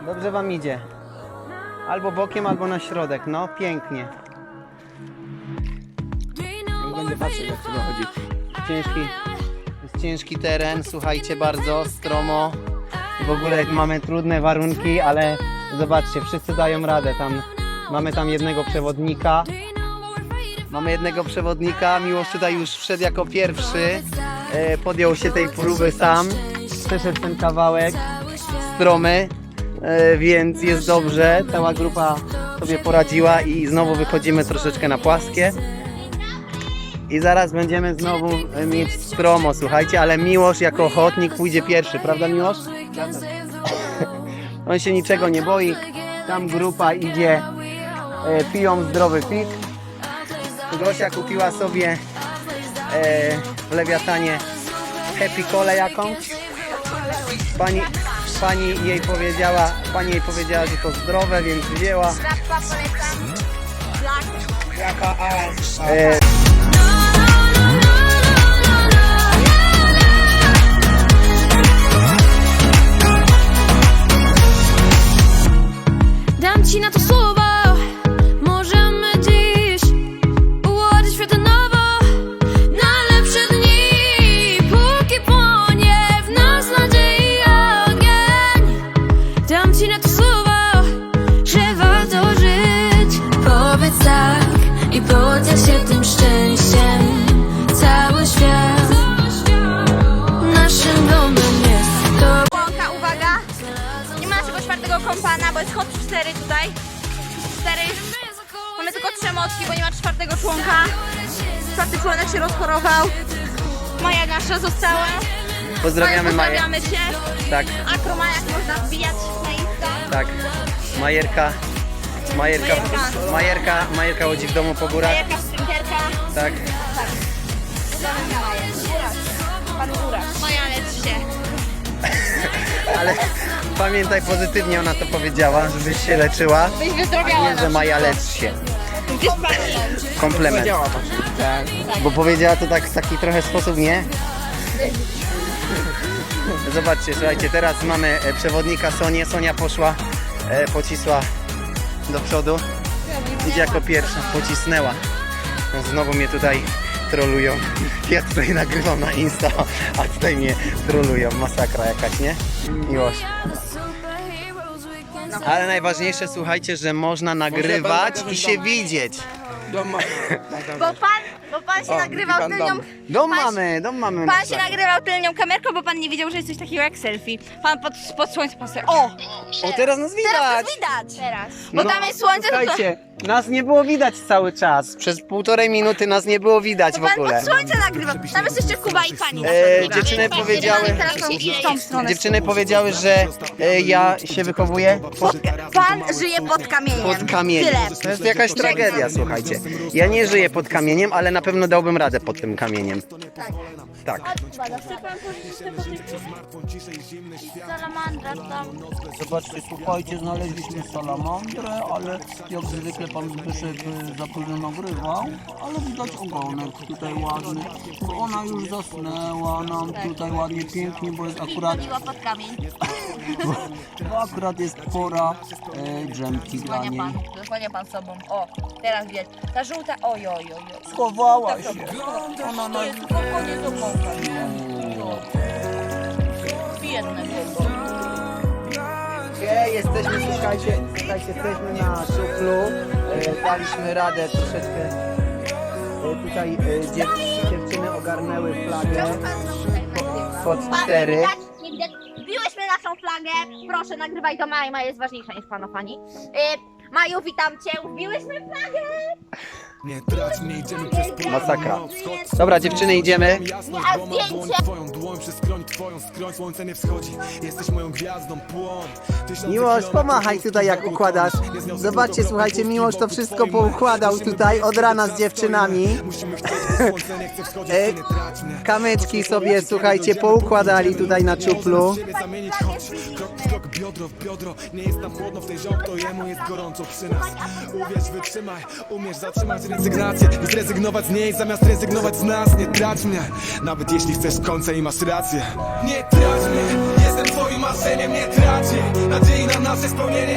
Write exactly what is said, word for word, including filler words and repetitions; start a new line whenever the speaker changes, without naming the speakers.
Dobrze wam idzie. Albo bokiem, albo na środek. No, pięknie.
Będę patrzeć, jak to dochodzi.
Ciężki, jest ciężki teren, słuchajcie, bardzo stromo. W ogóle mamy trudne warunki, ale zobaczcie, wszyscy dają radę. Tam, mamy tam jednego przewodnika. Mamy jednego przewodnika, Miłosz tutaj już wszedł jako pierwszy. E, podjął się tej próby sam. Przeszedł ten kawałek stromy, e, więc jest dobrze. Cała grupa sobie poradziła i znowu wychodzimy troszeczkę na płaskie. I zaraz będziemy znowu mieć stromo, słuchajcie, ale Miłosz jako ochotnik pójdzie pierwszy, prawda Miłosz? On się niczego nie boi, tam grupa idzie, e, piją zdrowy pik. Gosia kupiła sobie e, w Lewiatanie Happy Colę jakąś. Pani, pani jej powiedziała, pani jej powiedziała, że to zdrowe, więc wzięła.
Jaka a,
E,
Dam ci na to słowo, możemy dziś ułożyć świat nowo na lepsze dni, póki płonie w nas nadziei ogień. Dam ci na to słowo, że warto żyć. Powiedz tak i podziel się tym szczęściem. Cały świat naszym domem jest. To
Łąka, uwaga! Nie ma naszego czwartego kompana, bo jest hot cztery tutaj. cztery. Mamy tylko trzy motki, bo nie ma czwartego członka. Czwarty członek się rozchorował. Maja nasza została.
pozdrawiamy Maję.
Pozdrawiamy się.
Tak,
Akromajak można wbijać na Insta.
tak. Majerka. Majerka,
Majerka.
Majerka, Majerka chodzi w domu po górach.
Majerka, sprinterka.
Tak.
Pan Górak. Maja, lecz się.
Ale pamiętaj, pozytywnie ona to powiedziała, żebyś się leczyła.
Byś
A
wyzdrowiała
nie, że Maja lecz się.
Gdzieś pacjent.
Komplement.
działa właśnie. Tak.
Bo powiedziała to tak w taki trochę sposób, nie? Zobaczcie, słuchajcie, teraz mamy e, przewodnika Sonię. Sonia poszła, e, pocisła do przodu. Idzie jako pierwsza, pocisnęła. Znowu mnie tutaj trolują. Ja tutaj nagrywam na Insta, a tutaj mnie trolują. Masakra jakaś, nie? Miłość. Ale najważniejsze, słuchajcie, że można nagrywać i się widzieć.
Dom ma.
Bo pan, bo pan się
O,
nagrywał
pan
tylnią...
dom.
Dom
Pan-
mamy, dom mamy.
Pan się nagrywał tylnią kamerką, bo pan nie wiedział, że jest coś takiego jak selfie. Pan pod, pod słońcem pan sobie... O!
O, teraz nas widać!
Teraz to widać! Teraz. Bo
No,
tam jest słońce, to, to
słuchajcie, nas nie było widać cały czas. Przez półtorej minuty nas nie było widać w
pan
ogóle.
pod słońce nagrywa. Tam jest jeszcze Kuba i pani. na
E,
przykład.
dziewczyny
Pan
powiedziały-
nagrywa teraz w tą stronę.
Dziewczyny powiedziały, że e, ja się wychowuję pod,
Pan żyje pod kamieniem.
pod kamieniem.
Tyle.
To jest jakaś tragedia, słuchajcie. Ja nie żyję pod kamieniem, ale na pewno dałbym radę pod tym kamieniem. Tak.
Salamandra tam.
Zobaczcie, słuchajcie, znaleźliśmy salamandrę, ale jak zwykle pan Zbyszek za późno nagrywał, ale widać ogonek tutaj ładny, bo ona już zasnęła nam tutaj ładnie, pięknie, bo jest akurat,
Chodziła pod kamień.
bo akurat jest pora e, drzemki dla
Zasłania
niej.
pan, zasłania pan sobą. O, teraz wiesz. Ta żółta, oj, oj, oj. oj.
Schowała się.
Ona na... To jest spokojnie do mąka. Biedne było.
Gdzie jesteśmy, słuchajcie, słuchajcie, jesteśmy na szuflu, e, daliśmy radę troszeczkę, e, tutaj e, dziew, dziewczyny ogarnęły flagę pod cztery.
Nie widać, nie widać. Wbiłyśmy naszą flagę. Proszę, nagrywaj do Maji. Maja jest ważniejsza niż pana pani. Yy, Maju, witam cię. Wbiłyśmy flagę.
Nie trać mnie, idziemy przez pola.
Masakra. Dobra, dziewczyny, idziemy.
A zdjęcie.
Twoją dłoń przez skroń, twoją skroń, słońce nie wschodzi. Jesteś moją gwiazdą, płoń. Tysiące
Miłosz,
kilometrów
pomachaj tutaj jak układasz. Zobaczcie, słuchajcie, Miłosz to wszystko poukładał tutaj od rana z dziewczynami.
Musimy chcieć, bo słońce nie chce wschodzić,
E,
ty nie trać mnie.
Kamyczki sobie, słuchajcie, poukładali tutaj na czuplu.
Siebie zamienić, chodź, krok w krok, biodro w biodro. Nie jest tam chłodno w tej ziom, to jemu jest gorąco przy nas. Uwierz, wytrzymaj, umiesz zatrzymać rezygnację i zrezygnować z niej, zamiast rezygnować z nas. Nie trać mnie, nawet jeśli chcesz końca i masz rację. Nie trać mnie, jestem twoim marzeniem, nie trać jej. Nadziei na nasze spełnienie